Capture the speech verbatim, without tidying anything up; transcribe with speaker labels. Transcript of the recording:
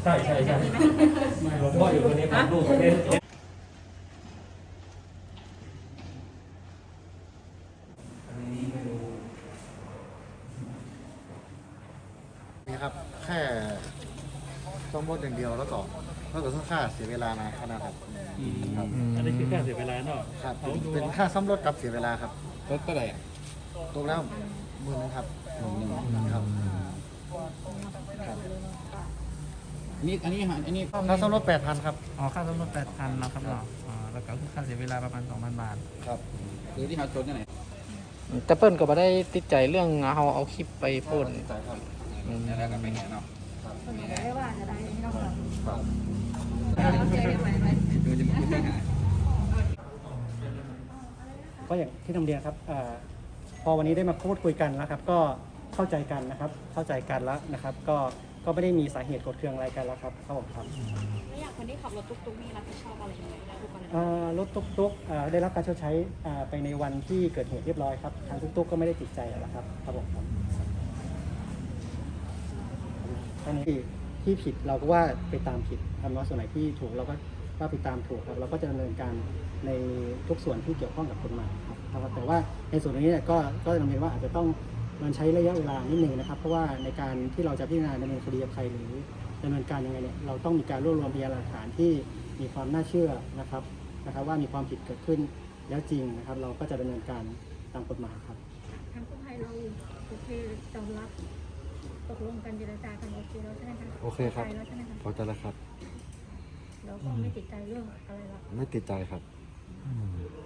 Speaker 1: ใช่ใช่ใช่ไม่หลวงพ่ออยู่คนนี้ครับลูกเล่น
Speaker 2: นี่ครับแค่ซ่อมรถอย่างเดียวแล้วก็แล้วก็ต้องค่าเสียเวลานะขนาดครับครับ
Speaker 1: อันนี้คือค่าเสียเวลาเนาะ
Speaker 2: ครับเป็นค่าซ่อมรถกับเสียเวลาครับ
Speaker 3: รถเท่าไหร่
Speaker 2: ตกแล้วหมื่นนึงครับหมื่นนึงครับครับ
Speaker 3: นี่อันนี้หาอันนี้
Speaker 2: ค่าซ่อมรถแปดพันครับ
Speaker 4: อ๋อค่าซ่อมรถแปดพันนะครับเนาะอ๋อแล้วก็คือค่าเสียเวลาประมาณสองพันบาท
Speaker 2: ครับ
Speaker 3: คือที่หาชนที่ไหน
Speaker 4: แต่เปิ้ลก็ไม่ได้ติดใจเรื่องเอาเอาคลิปไปโพสต์
Speaker 2: ใช่ครับ
Speaker 3: แล้วก็ไปแห่เนาะ
Speaker 5: ไม่ว่าจะได้ไม่ต้องหรอก
Speaker 2: ครับ
Speaker 5: เราเจอได้ไหมไหม
Speaker 3: ดูจะมีปัญหา
Speaker 6: ก็อย่างที่นำเรียนครับเออพอวันนี้ได้มาพูดคุยกันแล้วครับก็เข้าใจกันนะครับเข้าใจกันแล้วนะครับก็ก็ไม่ได้มีสาเหตุโกรธเคืองอะไรกันแล้วครับครับผมครับ
Speaker 5: แล้วอย่างคนที่ขับรถตุ๊กๆมีรับผิดชอบอะไรยังไงได้ทุกกรณี
Speaker 6: เอ่อรถตุ๊กๆเอ่อได้รับการชดใช้อ่าไปในวันที่เกิดเหตุเรียบร้อยครับทางตุ๊กๆก็ไม่ได้ติดใจแล้วครับครับผมครับอันนี้ที่ผิดเราก็ว่าไปตามผิดทำว่าส่วนไหนที่ถูกเราก็ว่าไปตามถูกครับเราก็จะดำเนินการในทุกส่วนที่เกี่ยวข้องกับกฎหมายครับครับแต่ว่าในส่วนนี้เนี่ยก็ก็ดำเนินว่าอาจจะต้องมันใช้ระยะเวลานิดนึงนะครับเพราะว่าในการที่เราจะพิจารณาดำเนินคดีกับใครหรือดำเนินการยังไงเนี่ยเราต้องมีการรวบรวมพยานหลักฐานที่มีความน่าเชื่อนะครับนะครับว่ามีความผิดเกิดขึ้นแล้วจริงนะครับเราก็จะดำเนินการตามกฎหมายครับ
Speaker 5: ทางกู้ภัยเราโอเคยอมรับตกลงกันเจรจากันโอเคแล้วใช่ไหมคะ
Speaker 2: โอเคครับ
Speaker 5: พอใจแล้วใช่ไหมคะ
Speaker 2: พอใจแล้วครับ
Speaker 5: เราก็ไม่ติดใจเรื่องอะไรหรอก
Speaker 2: ไม่ติดใจครับ
Speaker 4: อืม